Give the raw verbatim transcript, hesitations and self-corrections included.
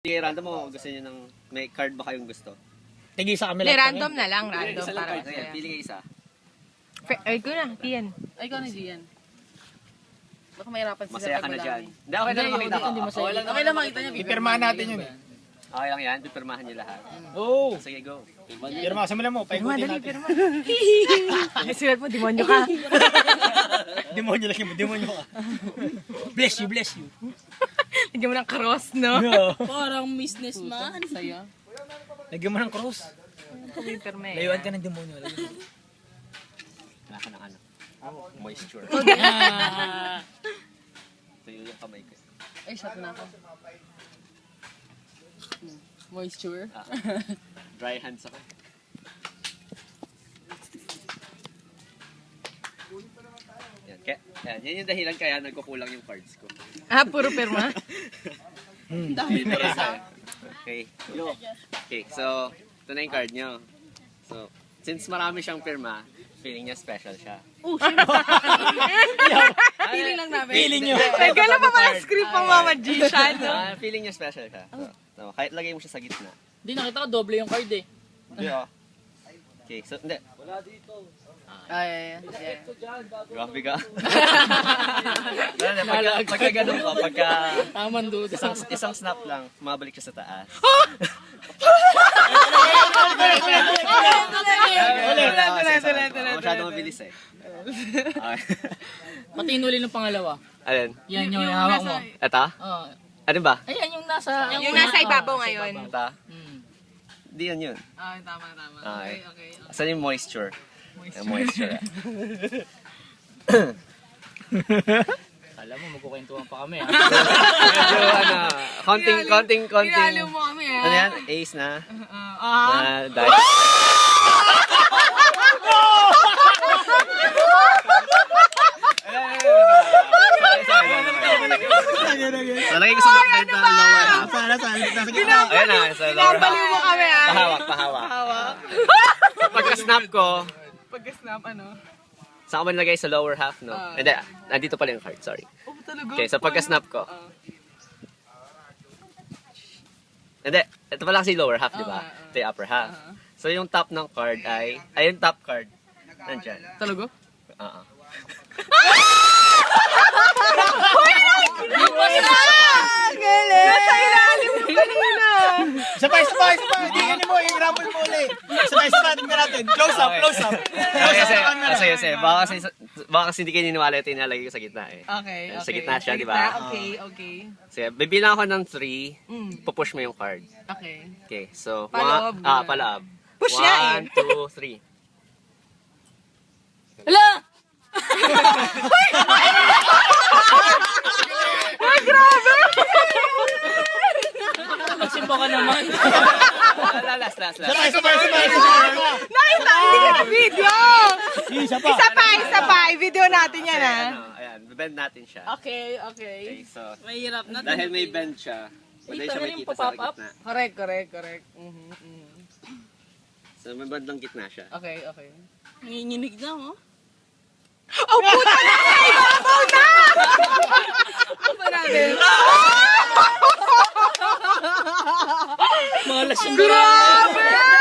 Sige, random mo. Gusto niyo ng... May card ba kayong gusto? Tigil sa kami Hindi, lahat random na lang. Random Isa lang para card. Ayan, masaya. pili kayo isa. Fe- Ay, ko na. Iyan. Ay, ikaw na Gian. Baka mahirapan sila Masaya ka pag na wala dyan. kami. Hindi, okay na lang makita ko. Hindi masaya. Okay lang makita niya. Ipirmahan natin yun eh. Okay lang yan. Pipirmahan niyo lahat. Oo. Sige, go. Pirma, simulan mo. Paikutin natin. Ay, sulat mo, demonyo ka. Demonyo lang yun. Demonyo ka. Bless you, bless you. Lagyan mo ng cross, no? No. Parang businessman. Saya. Lagyan mo ng cross. Computer mo Layuan ka ng demonyo. Wala ka ng ano. Moisture. Tuyo yung kamay ko. Ay, shot na ako. Hmm. Moisture. Ah, dry hands ako. Yan, kaya, yan, yan yung dahilan kaya nagkukulang yung cards ko. Ah, puro perma? Dami na isa. Okay. Okay, so, ito na yung card nyo. So, since marami siyang pirma, feeling niya special siya. Oh, syempre. Feeling lang namin. Feeling nyo. Nagkala pa pala script ng mga magician, no? Ah, feeling niya special siya. So, so, kahit lagay mo siya sa gitna. Hindi, nakita ko doble yung card eh. Hindi oh. Okay, so, hindi. Ay, yeah. Grabe ka. Hindi, pagka, pagka ganun ko, pagka Taman duda. isang, isang snap lang, mabalik siya sa taas. Masyado mabilis eh. Okay. Pati inuli ng pangalawa. Alin? Yan yung hawak mo. Ito? Oh. Ano ba? Ayan yung nasa... Yung nasa ibabaw ngayon. Ito? Hmm. Hindi yan yun. Ah, tama, tama. Okay. Okay, okay. Saan yung moisture? Moisture. moisture. Alam mo, magkukwentuhan pa kami ah. Medyo ano, konting, konting, konting. Pinalo mo kami, ah. Ano yan? Ace na? Ah. Na dice. So, lagay ko sa backbend na lower half. Sana, sana. Nasa gitna. Ayan na, sa lower half. Pinapaliw mo kami, ah. Pahawak, pahawak. So, pagka-snap ko, Pagka-snap, ano? saan ko ba nilagay sa lower half, no? Hindi, nandito pala yung card, sorry. Oh, talaga? Okay, so pagka-snap ko. Hindi, ito pala kasi lower half, di ba? Ito yung upper half. So yung top ng card ay, ay yung top card, nandyan. Talaga? Oo. Galing! Nasa ilalim mo kanina! Isa pa, isa pa, isa pa. Hindi ganyan mo. I-rumble mo ulit. Isa pa, isa pa. Tingnan natin. Close up, close up. Close Kasi, up sa camera. kasi, kasi, baka kasi, baka kasi hindi kayo niniwala ito yung nilalagay ko sa gitna eh. Okay, okay. Sa gitna siya, di ba? Okay, okay. Sige, bibilang ako ng three, Mm. pupush mo yung card. Okay. Okay, so, Paloob. one, ah, paloob. Push nga eh. One, two, three. Hala! Magsimba ka naman. Ah, last, last, Isa pa, last. isa pa, isa pa, isa pa. Nakita, hindi ka na video! Isa pa. Isa pa, isa pa. I-video natin yan, Kasi, ah. ano, ayan, bend natin siya. Okay, okay. Okay, so, Mahirap na. dahil may bend siya, madali Ito siya na may yung kita sa pop-up. gitna. Correct, correct, correct. Mhm, mhm. So, may bandang gitna siya. Okay, okay. Nanginginig na oh. Oh, puta na! Ibabaw na! Ano ba natin? Mga lasing Grabe!